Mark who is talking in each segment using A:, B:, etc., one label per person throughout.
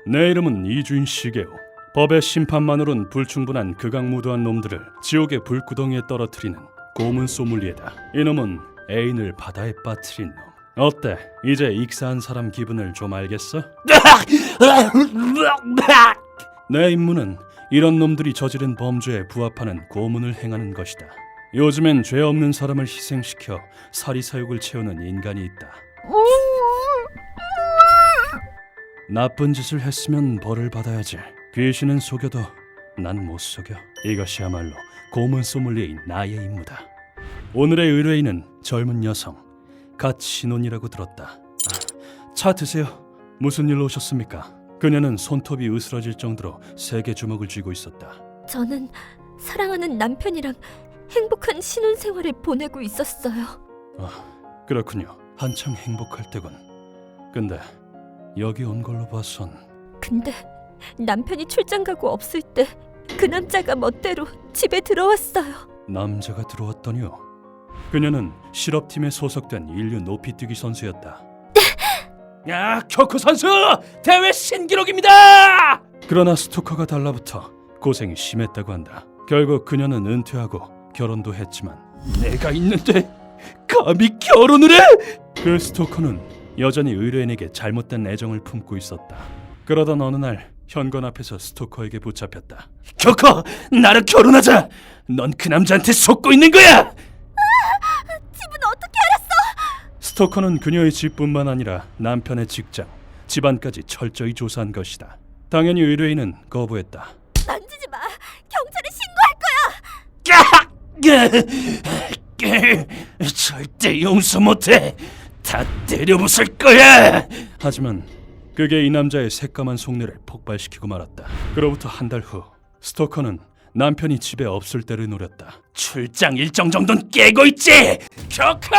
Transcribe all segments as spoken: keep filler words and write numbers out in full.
A: 내 이름은 이주인 시게오. 법의 심판만으론 불충분한 극악무도한 놈들을 지옥의 불구덩이에 떨어뜨리는 고문 소믈리에다. 이놈은 애인을 바다에 빠뜨린 놈. 어때? 이제 익사한 사람 기분을 좀 알겠어? 내 임무는 이런 놈들이 저지른 범죄에 부합하는 고문을 행하는 것이다. 요즘엔 죄 없는 사람을 희생시켜 사리사욕을 채우는 인간이 있다. 나쁜 짓을 했으면 벌을 받아야지. 귀신은 속여도 난 못 속여. 이것이야말로 고문 소믈리에인 나의 임무다. 오늘의 의뢰인은 젊은 여성, 갓 신혼이라고 들었다. 차 드세요. 무슨 일로 오셨습니까? 그녀는 손톱이 으스러질 정도로 세게 주먹을 쥐고 있었다.
B: 저는 사랑하는 남편이랑 행복한 신혼생활을 보내고 있었어요.
A: 아, 그렇군요. 한참 행복할 때군. 근데 여기 온 걸로 봐선...
B: 근데 남편이 출장 가고 없을 때 그 남자가 멋대로 집에 들어왔어요.
A: 남자가 들어왔더니요. 그녀는 실업팀에 소속된 인류 높이뛰기 선수였다. 야, 쿄코 선수! 대회 신기록입니다! 그러나 스토커가 달라붙어 고생이 심했다고 한다. 결국 그녀는 은퇴하고 결혼도 했지만 내가 있는데 감히 결혼을 해? 그 스토커는 여전히 의뢰인에게 잘못된 애정을 품고 있었다. 그러던 어느 날 현관 앞에서 스토커에게 붙잡혔다. 쿄코! 나랑 결혼하자! 넌 그 남자한테 속고 있는 거야!
B: 집은 어떻게 알았어?
A: 스토커는 그녀의 집뿐만 아니라 남편의 직장, 집안까지 철저히 조사한 것이다. 당연히 의뢰인은 거부했다.
B: 만지지 마. 경찰에 신고할 거야.
A: 절대 용서 못해. 다 때려부술 거야. 하지만 그게 이 남자의 새까만 속내를 폭발시키고 말았다. 그로부터 한 달 후, 스토커는 남편이 집에 없을 때를 노렸다. 출장 일정 정도는 깨고 있지. 쿄코!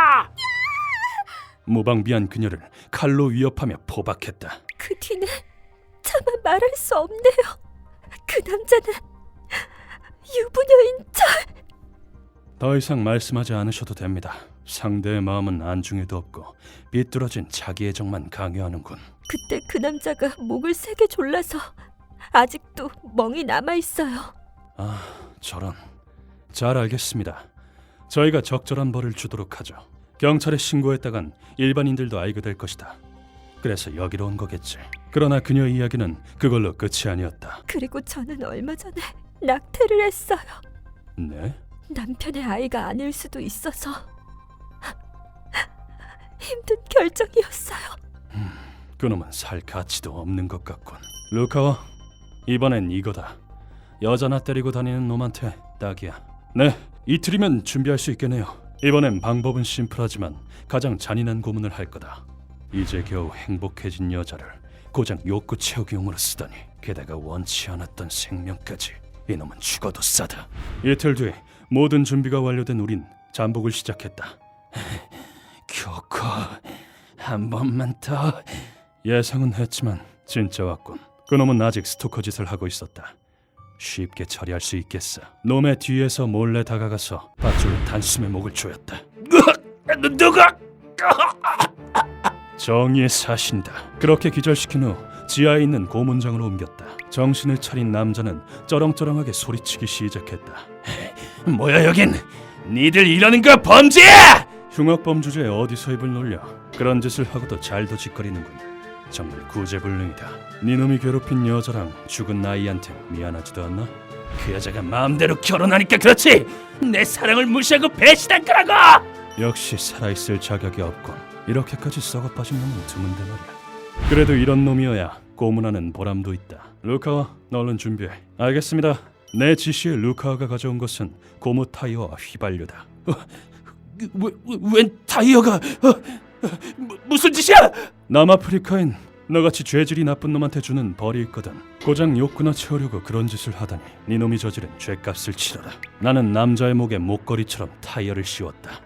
A: 무방비한 그녀를 칼로 위협하며 포박했다.
B: 그 뒤는 차마 말할 수 없네요. 그 남자는 유부녀인 절.
A: 더 이상 말씀하지 않으셔도 됩니다. 상대의 마음은 안중에도 없고 비뚤어진 자기 애정만 강요하는군.
B: 그때 그 남자가 목을 세게 졸라서 아직도 멍이 남아있어요.
A: 아, 저런. 잘 알겠습니다. 저희가 적절한 벌을 주도록 하죠. 경찰에 신고했다간 일반인들도 알게 될 것이다. 그래서 여기로 온 거겠지. 그러나 그녀의 이야기는 그걸로 끝이 아니었다.
B: 그리고 저는 얼마 전에 낙태를 했어요.
A: 네?
B: 남편의 아이가 아닐 수도 있어서 힘든 결정이었어요.
A: 그놈은 살 가치도 없는 것 같군. 루카와, 이번엔 이거다. 여자나 때리고 다니는 놈한테 딱이야. 네, 이틀이면 준비할 수 있겠네요. 이번엔 방법은 심플하지만 가장 잔인한 고문을 할 거다. 이제 겨우 행복해진 여자를 고작 욕구 채우기용으로 쓰다니. 게다가 원치 않았던 생명까지. 이놈은 죽어도 싸다. 이틀 뒤 모든 준비가 완료된 우린 잠복을 시작했다. 쿄코, 한 번만 더. 예상은 했지만 진짜 왔군. 그놈은 아직 스토커 짓을 하고 있었다. 쉽게 처리할 수 있겠어. 놈의 뒤에서 몰래 다가가서 밧줄로 단숨에 목을 조였다. 누가? 정의의 사신이다. 그렇게 기절시킨 후 지하에 있는 고문장으로 옮겼다. 정신을 차린 남자는 쩌렁쩌렁하게 소리치기 시작했다. 뭐야 여긴? 니들 이러는 거 범죄야! 흉악범 주제에 어디서 입을 놀려. 그런 짓을 하고도 잘도 짓거리는군. 정말 구제불능이다. 니놈이 괴롭힌 여자랑 죽은 아이한테 미안하지도 않나? 그 여자가 마음대로 결혼하니까 그렇지! 내 사랑을 무시하고 배신한 거라고! 역시 살아있을 자격이 없군. 이렇게까지 썩어빠진 놈은 드문데 말이야. 그래도 이런 놈이어야 고문하는 보람도 있다. 루카와, 너 얼른 준비해. 알겠습니다. 내 지시에 루카와가 가져온 것은 고무 타이어와 휘발유다. 어, 왜, 웬 타이어가... 어, 어, 무슨 짓이야? 남아프리카엔 너같이 죄질이 나쁜 놈한테 주는 벌이 있거든. 고작 욕구나 채우려고 그런 짓을 하다니 네 놈이 저지른 죄값을 치러라. 나는 남자의 목에 목걸이처럼 타이어를 씌웠다.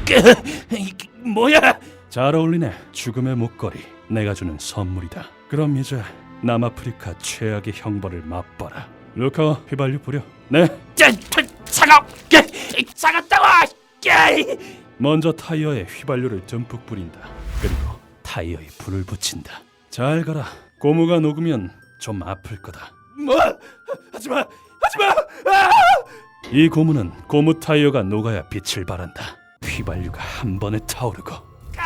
A: 뭐야? 잘 어울리네. 죽음의 목걸이. 내가 주는 선물이다. 그럼 이제 남아프리카 최악의 형벌을 맛봐라. 루카와 휘발유 뿌려. 네. 차가 차갑다고. 먼저 타이어에 휘발유를 듬뿍 뿌린다. 그리고 타이어에 불을 붙인다. 잘 가라. 고무가 녹으면 좀 아플 거다.
C: 뭐? 하지마, 하지마! 아!
A: 이 고무는 고무 타이어가 녹아야 빛을 발한다. 휘발유가 한 번에 타오르고.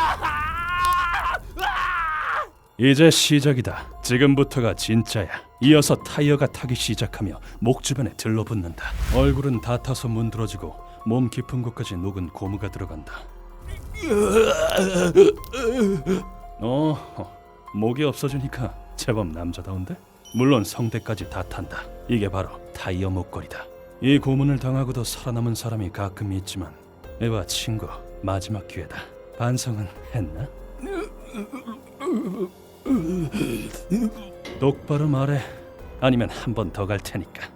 A: 이제 시작이다. 지금부터가 진짜야. 이어서 타이어가 타기 시작하며 목 주변에 들러붙는다. 얼굴은 다 타서 문드러지고 몸 깊은 곳까지 녹은 고무가 들어간다. 어, 목이 없어지니까 제법 남자다운데? 물론 성대까지 다 탄다. 이게 바로 타이어 목걸이다. 이 고문을 당하고도 살아남은 사람이 가끔 있지만 에바 친구, 마지막 기회다. 반성은 했나? 똑바로 말해. 아니면 한 번 더 갈 테니까.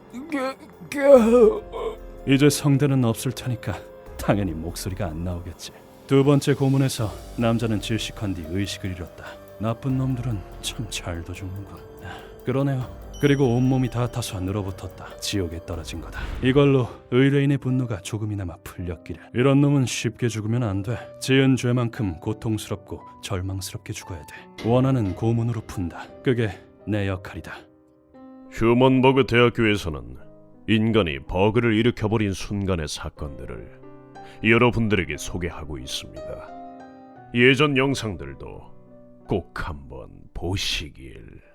A: 이제 성대는 없을 테니까 당연히 목소리가 안 나오겠지. 두 번째 고문에서 남자는 질식한 뒤 의식을 잃었다. 나쁜 놈들은 참 잘도 죽는군. 그러네요. 그리고 온몸이 다 타서 늘어붙었다. 지옥에 떨어진 거다. 이걸로 의뢰인의 분노가 조금이나마 풀렸기를. 이런 놈은 쉽게 죽으면 안 돼. 지은 죄만큼 고통스럽고 절망스럽게 죽어야 돼. 원하는 고문으로 푼다. 그게 내 역할이다.
D: 휴먼버그 대학교에서는 인간이 버그를 일으켜버린 순간의 사건들을 여러분들에게 소개하고 있습니다. 예전 영상들도 꼭 한번 보시길.